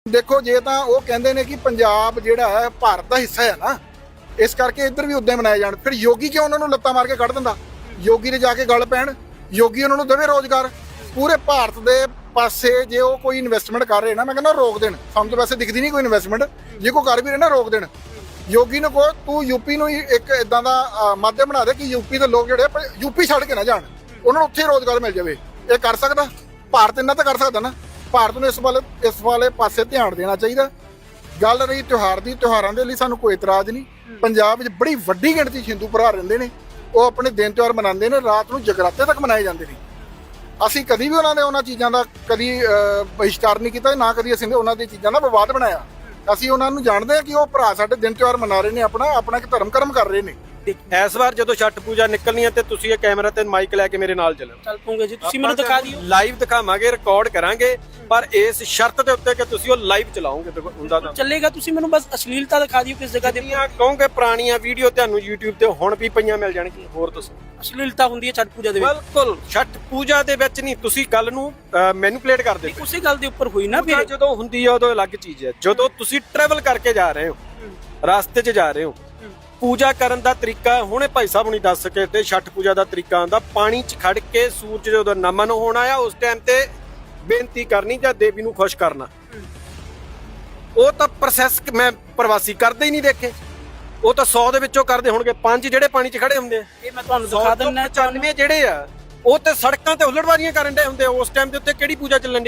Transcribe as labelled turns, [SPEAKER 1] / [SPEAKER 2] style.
[SPEAKER 1] ਦੇਖੋ ਜੇ ਤਾਂ ਉਹ ਕਹਿੰਦੇ ਨੇ ਕਿ ਪੰਜਾਬ ਜਿਹੜਾ ਹੈ ਭਾਰਤ ਦਾ ਹਿੱਸਾ ਹੈ ਨਾ, ਇਸ ਕਰਕੇ ਇੱਧਰ ਵੀ ਉਦਾਂ ਮਨਾਏ ਜਾਣ। ਫਿਰ ਯੋਗੀ ਕਿਉਂ ਉਹਨਾਂ ਨੂੰ ਲੱਤਾਂ ਮਾਰ ਕੇ ਕੱਢ ਦਿੰਦਾ? ਯੋਗੀ ਦੇ ਜਾ ਕੇ ਗੱਲ ਪੈਣ, ਯੋਗੀ ਉਹਨਾਂ ਨੂੰ ਦੇਵੇ ਰੋਜ਼ਗਾਰ। ਪੂਰੇ ਭਾਰਤ ਦੇ ਪਾਸੇ ਜੇ ਉਹ ਕੋਈ ਇਨਵੈਸਟਮੈਂਟ ਕਰ ਰਹੇ ਨਾ, ਮੈਂ ਕਹਿੰਦਾ ਰੋਕ ਦੇਣ। ਸਾਨੂੰ ਤਾਂ ਵੈਸੇ ਦਿਖਦੀ ਨਹੀਂ ਕੋਈ ਇਨਵੈਸਟਮੈਂਟ, ਜੇ ਕੋਈ ਕਰ ਵੀ ਰਹੇ ਨਾ ਰੋਕ ਦੇਣ। ਯੋਗੀ ਨੂੰ ਕਹੋ ਤੂੰ ਯੂਪੀ ਨੂੰ ਇੱਕ ਇਦਾਂ ਦਾ ਮਾਧਿਅਮ ਬਣਾ ਦੇ ਕਿ ਯੂਪੀ ਦੇ ਲੋਕ ਜਿਹੜੇ ਯੂਪੀ ਛੱਡ ਕੇ ਨਾ ਜਾਣ, ਉਹਨਾਂ ਨੂੰ ਉੱਥੇ ਰੋਜ਼ਗਾਰ ਮਿਲ ਜਾਵੇ। ਇਹ ਕਰ ਸਕਦਾ ਭਾਰਤ, ਇੰਨਾ ਤਾਂ ਕਰ ਸਕਦਾ ਨਾ। ਭਾਰਤ ਨੂੰ ਇਸ ਵਾਲੇ ਪਾਸੇ ਧਿਆਨ ਦੇਣਾ ਚਾਹੀਦਾ। ਗੱਲ ਰਹੀ ਤਿਉਹਾਰ ਦੀ, ਤਿਉਹਾਰਾਂ ਦੇ ਲਈ ਸਾਨੂੰ ਕੋਈ ਇਤਰਾਜ਼ ਨਹੀਂ। ਪੰਜਾਬ ਵਿੱਚ ਬੜੀ ਵੱਡੀ ਗਿਣਤੀ 'ਚ ਹਿੰਦੂ ਭਰਾ ਰਹਿੰਦੇ ਨੇ, ਉਹ ਆਪਣੇ ਦਿਨ ਤਿਉਹਾਰ ਮਨਾਉਂਦੇ ਨੇ, ਰਾਤ ਨੂੰ ਜਗਰਾਤੇ ਤੱਕ ਮਨਾਏ ਜਾਂਦੇ ਨੇ। ਅਸੀਂ ਕਦੀ ਵੀ ਉਹਨਾਂ ਚੀਜ਼ਾਂ ਦਾ ਕਦੀ ਬਹਿਸ਼ਕਾਰ ਨਹੀਂ ਕੀਤਾ, ਨਾ ਕਦੀ ਅਸੀਂ ਉਹਨਾਂ ਦੀ ਚੀਜ਼ਾਂ ਦਾ ਵਿਵਾਦ ਬਣਾਇਆ। ਅਸੀਂ ਉਹਨਾਂ ਨੂੰ ਜਾਣਦੇ ਹਾਂ ਕਿ ਉਹ ਭਰਾ ਸਾਡੇ ਦਿਨ ਤਿਉਹਾਰ ਮਨਾ ਰਹੇ ਨੇ, ਆਪਣਾ ਇੱਕ ਧਰਮ ਕਰਮ ਕਰ ਰਹੇ ਨੇ।
[SPEAKER 2] ਇਸ ਵਾਰ ਜਦੋਂ ਛੱਠ ਪੂਜਾ ਨਿਕਲਣੀ ਹੈ ਤੇ ਤੁਸੀਂ ਇਹ ਕੈਮਰਾ ਤੇ ਮਾਈਕ ਲੈ ਕੇ ਮੇਰੇ ਨਾਲ
[SPEAKER 3] ਚੱਲ ਪੂਗੇ ਜੀ, ਤੁਸੀਂ ਮੈਨੂੰ ਦਿਖਾ ਦਿਓ।
[SPEAKER 2] ਲਾਈਵ ਦਿਖਾਵਾਂਗੇ, ਰਿਕਾਰਡ ਕਰਾਂਗੇ, ਪਰ ਇਸ ਸ਼ਰਤ ਦੇ ਉੱਤੇ ਕਿ ਤੁਸੀਂ ਉਹ ਲਾਈਵ ਚਲਾਓਗੇ। ਹੁੰਦਾ ਤਾਂ
[SPEAKER 3] ਚੱਲੇਗਾ, ਤੁਸੀਂ ਮੈਨੂੰ ਬਸ ਅਸ਼ਲੀਲਤਾ ਦਿਖਾ ਦਿਓ ਕਿਸ ਜਗ੍ਹਾ ਤੇ।
[SPEAKER 2] ਕਹੋਗੇ ਪੁਰਾਣੀਆਂ ਵੀਡੀਓ ਤੁਹਾਨੂੰ YouTube ਤੇ ਹੁਣ ਵੀ ਪਈਆਂ ਮਿਲ ਜਾਣਗੀਆਂ। ਹੋਰ ਦੱਸੋ।
[SPEAKER 3] ਅਸ਼ਲੀਲਤਾ ਹੁੰਦੀ ਹੈ ਛੱਠ ਪੂਜਾ ਦੇ ਵਿੱਚ?
[SPEAKER 2] ਬਿਲਕੁਲ ਛੱਠ ਪੂਜਾ ਦੇ ਵਿੱਚ ਨਹੀਂ, ਤੁਸੀਂ ਗੱਲ ਨੂੰ ਮੈਨੂਪਲੇਟ ਕਰਦੇ ਹੋ।
[SPEAKER 3] ਉਸੇ ਗੱਲ ਦੇ ਉੱਪਰ ਹੋਈ ਨਾ ਫਿਰ।
[SPEAKER 2] ਜਦੋਂ ਹੁੰਦੀ ਹੈ ਉਦੋਂ ਅਲੱਗ ਚੀਜ਼ ਹੈ। ਜਦੋਂ ਤੁਸੀਂ ਟਰੈਵਲ ਕਰਕੇ ਜਾ ਰਹੇ ਹੋ, ਰਸਤੇ 'ਚ ਜਾ ਰਹੇ ਹੋ, ਪੂਜਾ ਕਰਨ ਦਾ ਤਰੀਕਾ ਹੁਣੇ ਭਾਈ ਸਾਹਿਬ ਨੂੰ ਦੱਸ ਸਕੇ ਤੇ ਛੱਠ ਪੂਜਾ ਦਾ ਤਰੀਕਾ ਹੁੰਦਾ ਪਾਣੀ 'ਚ ਖੜ ਕੇ ਸੂਰਜ ਜਦੋਂ ਨਮਨ ਹੋਣਾ ਆ ਉਸ ਟਾਈਮ ਤੇ ਬੇਨਤੀ ਕਰਨੀ ਜਾਂ ਦੇਵੀ ਨੂੰ ਖੁਸ਼ ਕਰਨਾ। ਉਹ ਤਾਂ ਪ੍ਰੋਸੈਸ ਮੈਂ ਪ੍ਰਵਾਸੀ ਕਰਦੇ ਹੀ ਨਹੀਂ ਦੇਖੇ। ਉਹ ਤਾਂ 100 ਦੇ ਵਿੱਚੋਂ ਕਰਦੇ ਹੋਣਗੇ 5 ਜਿਹੜੇ ਪਾਣੀ 'ਚ ਖੜੇ ਹੁੰਦੇ ਆ।
[SPEAKER 3] ਇਹ ਮੈਂ ਤੁਹਾਨੂੰ ਦਿਖਾ ਦਿੰਦਾ।
[SPEAKER 2] 95 ਜਿਹੜੇ ਆ ਉਹ ਤੇ ਸੜਕਾਂ ਤੇ ਹੁੱਲੜਬਾਜ਼ੀਆਂ ਕਰਨ ਦੇ ਹੁੰਦੇ ਆ। ਉਸ ਟਾਈਮ ਦੇ ਉੱਤੇ ਕਿਹੜੀ ਪੂਜਾ ਚੱਲਣ ਦੀ?